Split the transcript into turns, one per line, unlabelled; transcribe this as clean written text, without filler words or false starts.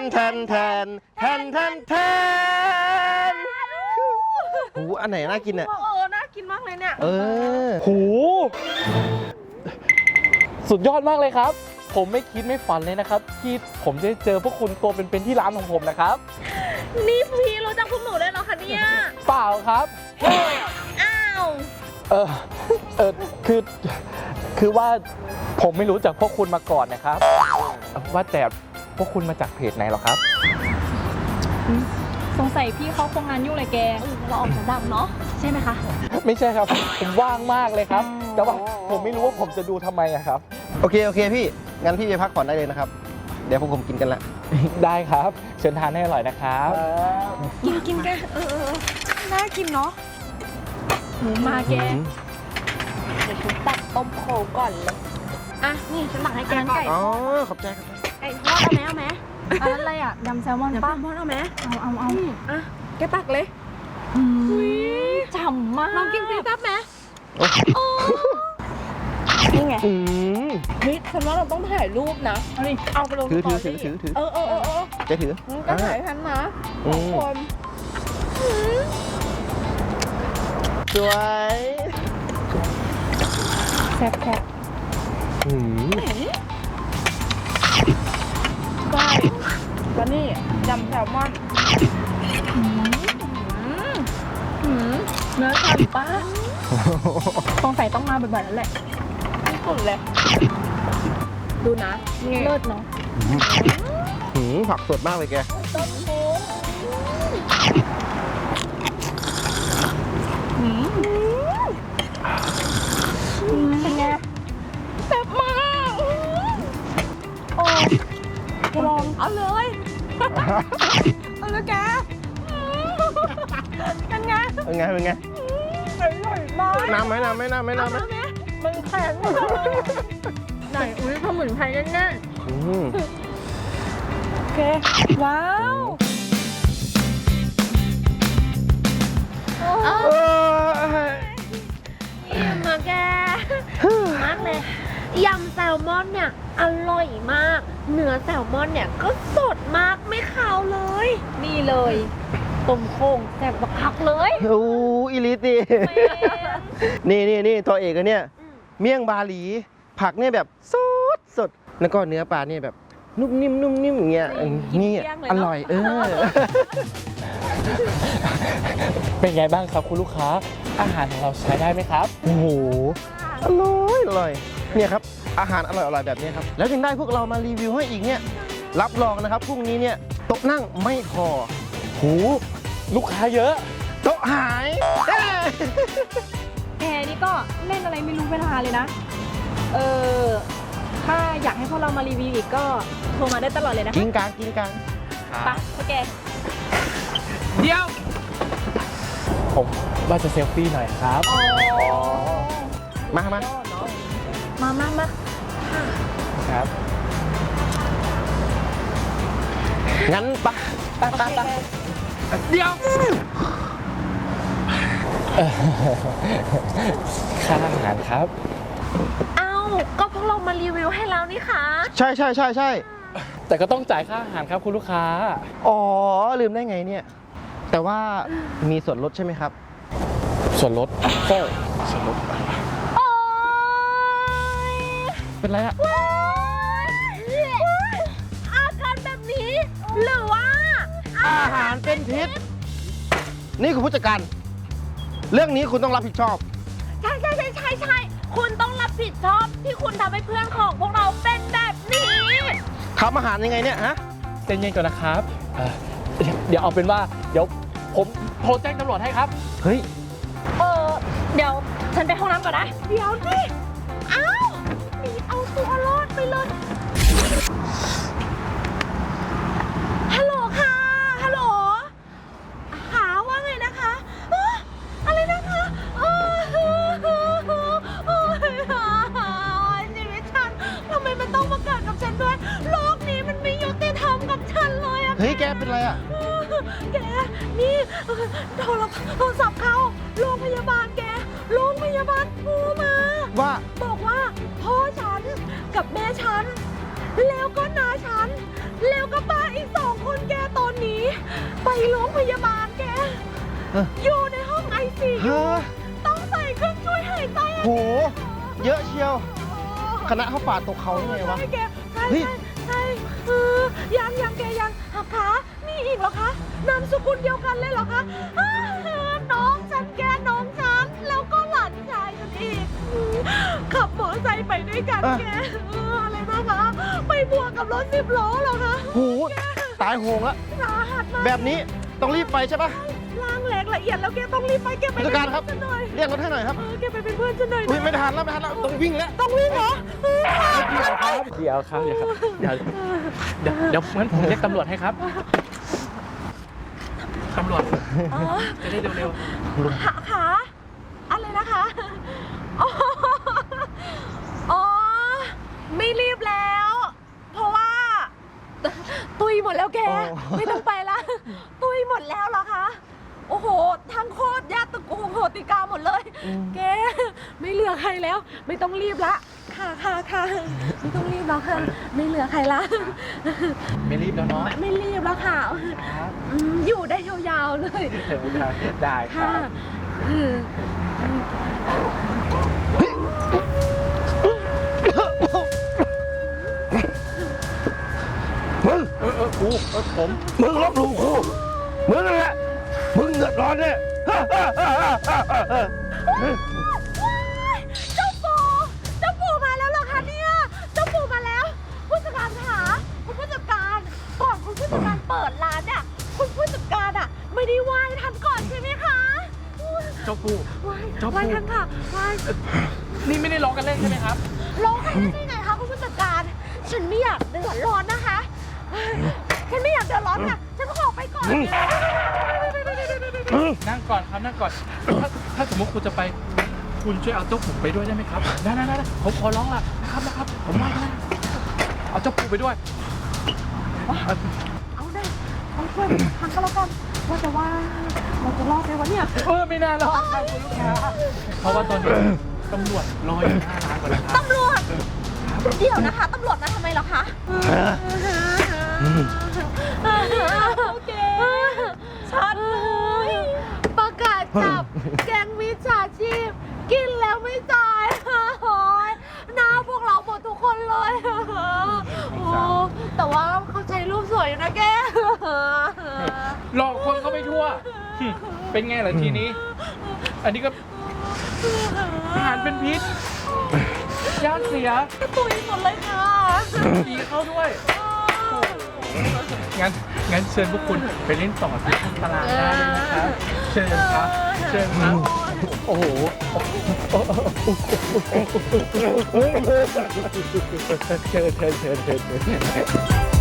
แทนแทนแทนแทนแทนหูอันไหนน่ากินเนี่ย
น่ากินมากเลยเนี่ย
หูสุดยอดมากเลยครับผมไม่คิดไม่ฝันเลยนะครับที่ผมจะเจอพวกคุณตัวเป็นๆที่ร้านของผมนะครับ
นี่พี่รู้จักพวกหนูได้เหรอคะเนี่ย
เปล่าครับ
อ้าว
คือว่าผมไม่รู้จักพวกคุณมาก่อนนะครับว่าแต่พวกคุณมาจากเพจไหนหรอครับ
สงสัยพี่เขาคงงานยุ่งเลยแก
เราออกมาดังเนาะใช่ไหมคะ
ไม่ใช่ครับผมว่างมากเลยครับแต่ว่าผมไม่รู้ว่าผมจะดูทำไมครับ
โอเคพี่งั้นพี่ไปพักผ่อนได้เลยนะครับเดี๋ยวพวกผมกินกันละ
ได้ครับเชิญทานให้อร่อยนะครับ
กินกันน่ากินเนาะ
มาแก
เดี๋ยวฉันตัดต้มโคก่อนเลยอ่ะนี่ฉันตักให้แกก่อน
อ๋อขอบใจครับ
ไก่ทอดเอาไหม
อันนั้นอะไรอ่ะยำแซลมอนป้า
เอาไหม
เอา
อ่ะแกตักเลย
ฉ่ำมาก
ลองกินสิตับไหมนี่ไงเฮ้ยฉันว่าเราต้องถ่ายรูปนะเอาไปลง
ถือ
จะถือก็ถ่ายฉันนะทุกคน
สวย
แซ่บ
ได้แล้วนี่ยำแซลมอน
เนื้อฉ่ำป้าสงสัยต้องมาบ่อยๆแล้วแหละ
สุดเลยดูนะ
เลิศเนาะ
ผักสดมากเลยแก
ต้มโค้ง
เป็นไง
แซ่บมาก
โอ้ลอง
เอาเลยแกเป็นไง
อร่อย
มาก
น้ำไหม
มันแข็งไหนอุ้ยสมุนไพรแน่ๆ
โอเคว้าว
อิ่มอะแกมากเลยยำแซลมอนเนี่ยอร่อยมากเนื้อแซลมอนเนี่ยก็สดมากไม่คาวเลย
นี่เลยต้มโค้งแซ่บบักคักเลย
อีลิตีนี่ตัวเอกเนี่ยเมี่ยงบาหลีผักเนี่ยแบบสดแล้วก็เนื้อปลาเนี่ยแบบนุ่มนิ่มอย่างเงี้ยนี่อร่อย
เป็นไงบ้างครับคุณลูกค้าอาหารของเราใช้ได้ไหมครับ
โอ้โหอร่อยเนี่ยครับอาหารอร่อยแบบนี้ครับแล้วยังได้พวกเรามารีวิวให้อีกเนี่ยรับรองนะครับพรุ่งนี้เนี่ยโต๊ะนั่งไม่พอ
หูลูกค้าเยอะ
โต๊ะหาย
แกนี่ก็เล่นอะไรไม่รู้เวลาเลยนะถ้าอยากให้พวกเรามารีวิวอีกก็โทรมาได้ตลอดเลยนะ
กินกลาง
ไปโอเค
เดี๋ยวผมว่าจะเซลฟี่หน่อยครับ
มา
ครับ
งั้นปะ
เดี๋ยวค่าอาหารครับ
เอ้าก็พวกเรามารีวิวให้แล้วนี่ค่ะ
ใช่
แต่ก็ต้องจ่ายค่าอาหารครับคุณลูกค้า
อ๋อลืมได้ไงเนี่ยแต่ว่ามีส่วนลดใช่ไหมครับ
ส่วนลดก็ส่วนลดเป็นไรอะ
อาการแบบนี้หรือว่า
อาหารเป็นพิษนี่คุณผู้จัดการเรื่องนี้คุณต้องรับผิดชอบ
ใช่คุณต้องรับผิดชอบที่คุณทำให้เพื่อนของพวกเราเป็นแบบนี้
ทำอาหารยังไงเนี่ยฮะ
ใจเย็นก่อนนะครับเดี๋ยวเอาเป็นว่าเดี๋ยวผมโทรแจ้งตำรวจให้ครับ
เฮ้ย
เดี๋ยวฉันไปห้องน้ำก่อนนะ
เดี๋ยวสิหนีเอาตัวรอดไปเลยฮัลโหลค่ะฮัลโหลหาว่าไงนะคะอะไรนะคะชีวิตฉันทำไมมันต้องมาเกิดกับฉันด้วยโลกนี้มันไม่ยุติธรรมกับฉันเลยอะ
เฮ้ยแกเป็นไรอะ
แกนี่โทรศัพท์เข้าโรงพยาบาลแกโรงพยาบาลโทรมา
บอก
ว่าพ่อฉันกับแม่ฉันแล้วก็น้าฉันแล้วก็ป้าอีก2 คนแกตอนนี้ ไปโรงพยาบาลแก อยู่ในห้องไอซี
ฮะ
ต้องใส่เครื่องช่วยหายใจอะ
โห เยอะเชียว คณะเขาปาดตกเขาได้ไงวะ
ใช่แกใช่
เฮ้ย
ใช่ยังแกยังหักขามีอีกเหรอคะนามสกุลเดียวกันเลยเหรอคะน้องฉันแกน้องฉันแล้วก็หลานชายฉันอีกขับมอเตอร์ไซค์ไปด้วยกันแกอะไรนะคะไปบวกกับรถ10 ล้อเหรอคะ
โห ตายโหงแล้ว
สาหัสมาก
แบบนี้ต้องรีบไปใช่ปะ
ล่างแหลกละเอียดแล้วแกต้องรีบไปแกไป
ผู้จัดการครับ
ฉันหน่อย
เรียกรถให้หน่อยครับ
แกไปเป็นเพื่อนฉันหน่อย
อุ้ย
นะ
ไม่ทันแล้วต้องวิ่งแล้ว
ต้องวิ่งเหรอ
เดี๋ยวครับเดี๋ยวงั้นผมเรียกตำรวจให้ครับตำรวจ
อ๋อ
จะได้เร็ว
ขาอะไรนะคะอ๋ออ๋อไม่รีบแล้ว เพราะว่า ตุยหมดแล้วแก ไม่ต้องไปละตุยหมดแล้วเหรอคะโอ้โหทั้งโคตรญาติตระกูลโหติกาหมดเลย แกไม่เหลือใครแล้ว ไม่ต้องรีบละค่ะไม่ต้องรีบแล้วค่ะไม่เหลือใครละ
ๆไม่รีบแล้วเนาะ
ไม่รีบแล้วค่ะ
ครับ
อยู่ได้ยาวๆเลย
ได้ครั
ค่ะ
บ
มึง
ครูผม
มึงลบหลู่ครูมึงนั่นแหละ มึงเดือดร้อนเนี่ย
เจ้าปู่มาแล้วเหรอคะเนี่ย เจ้าปู่มาแล้ว ผู้จัดการคะคุณผู้จัดการก่อนคุณผู้จัดการเปิดร้านเนี่ยคุณผู้จัดการอ่ะไม่ได้ไหว้ท่านก่อนใช่ไหมคะ
เจ้าปู่
ไหว้
เจ้าปู่
ไหว้ท่านค่ะไหว้
นี่ไม่ได้ร้องกันเล่นใช่ไหมครับ
ร้องไห้ได้ไงคะคุณผู้จัดการ ฉันไม่อยากเดือดร้อนนะคะ ฉันไม่อยากเดือดร้อนค่ะ ฉันขอไปก่อน
นั่งก่อนครับนั่งก่อน ถ้าสมมติคุณจะไป คุณช่วยเอาเจ้าปู่ไปด้วยได้ไหมครับได้ผมขอร้องละนะครับผมไหว้ก็ได้เอาเจ้าปู่ไปด้วย
เอาได้เอาช่วยทางก็แล้วกันว่าจะว่าเราจะรอดไหมวะเนี่ย
ไม่น่ารอดครับคุณลูกค้าเพราะว่าตอนนี้ตำรวจรออยู่หน้าร้านก่อนนะครับ
ตำรวจ เดี๋ยวนะคะ ตำรวจมาทำไมเหรอคะโอเคชัดเลยประกาศจับแก๊งมิจฉาชีพ กินแล้วไม่จ่ายโอ้ยหน้าพวกเราหมดทุกคนเลยโอ้แต่ว่าเขาใช้รูปสวยอยู่นะแก
หลอกคนเขาไปทั่ว เป็นไงล่ะทีนี้ อันนี้ก็อาหารเป็นพิษย่างเสีย
ตุยหมดเลยค่ะ
ผีเข้าด้วย งั้นเชิญพวกคุณไปเล่นต่อที่ข้างตลาดได้เลยนะครับ เชิญครับ โอ้โหเชิญ